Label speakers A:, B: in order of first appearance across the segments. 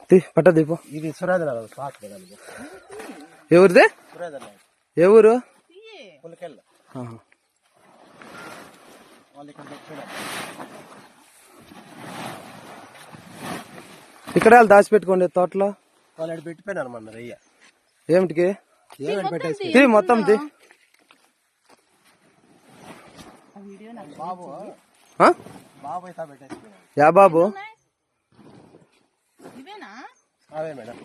A: పట్ట దీపం.
B: ఇది సురేంద్ర
A: ఎవరిదే? ఏ ఊరు?
B: పులికెళ్ళ.
A: ఇక్కడ దాచిపెట్టుకోండి తోటలో.
B: వాళ్ళు పెట్టిపోయినారు మన రయ్య.
A: ఏమిటికి?
B: ఏమైనా పెట్టేసి
A: మొత్తం
B: బాబు బాబు అయితే పెట్టేసి.
A: యా బాబు?
B: అవే మేడం.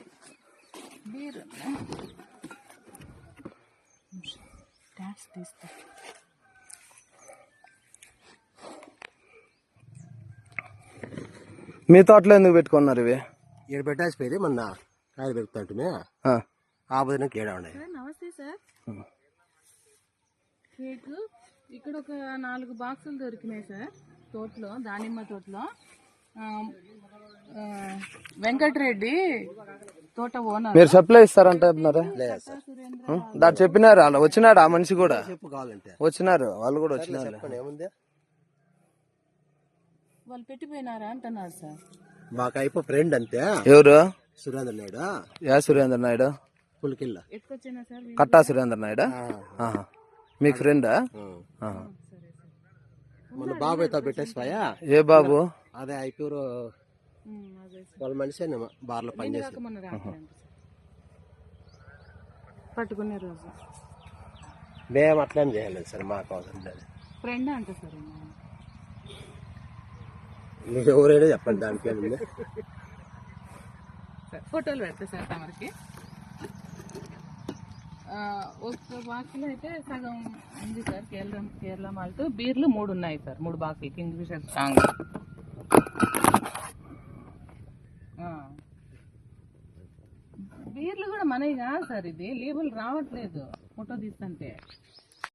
A: మీ తోటలో ఎందుకు పెట్టుకున్నారు ఇవి?
B: ఇక్కడ పెట్టేసిపోయి మొన్న కాయలు పెరుగుతుంటే ఆ బుధన కేడా ఉన్నాయి.
C: నమస్తే సార్. కేక్ ఇక్కడ ఒక 4 బాక్సులు దొరికినాయి సార్ తోటలో, దానిమ్మ తోటలో. వెంకటరెడ్డి తోట ఓనర్.
A: మీరు సప్లై ఇస్తారంటున్నారా? దాన్ని చెప్పినారు వాళ్ళు. వచ్చినాడు ఆ మనిషి కూడా.
B: చెప్పు కావాలంటే
A: వచ్చినారు వాళ్ళు కూడా వచ్చినారు.
B: ఏముంది
C: వాళ్ళు పెట్టిపోయినారా అంటున్నారు సార్.
B: మాకు అయిపో ఫ్రెండ్ అంతే.
A: ఎవరు?
B: సురేంద్ర నాయుడు.
A: యా సురేంద్ర నాయుడు?
B: పులికిల్ల.
C: ఎత్తుకొచ్చినా సార్.
A: కట్టా సురేంద్ర నాయుడు మీకు ఫ్రెండా?
B: మన బాబు అయితే పెట్టేసిపోయా.
A: ఏ బాబు?
B: అదే ఐపూరు వాళ్ళ మనిషి బార్లో పనిచేసి
C: పట్టుకునే రోజు
B: మేము అట్లేం చేయలేదు సార్. మాకు అవసరం లేదు.
C: ఫ్రెండ్ అంట సార్.
B: మీకు ఎవరైనా చెప్పండి దానికి ఏముంది.
C: ఫోటోలు పెడతా సార్ తమరికి. ఒక బాక్సులు అయితే సగం ఉంది సార్. కేరళ మాల్ట్ బీర్లు 3 ఉన్నాయి సార్. 3 బాక్సులు కింగ్ ఫిషర్ స్ట్రాంగ్. బీర్లు కూడా మనవి కాదు సార్. ఇది లేబుల్ రావట్లేదు ఫోటో తీస్తుంటే.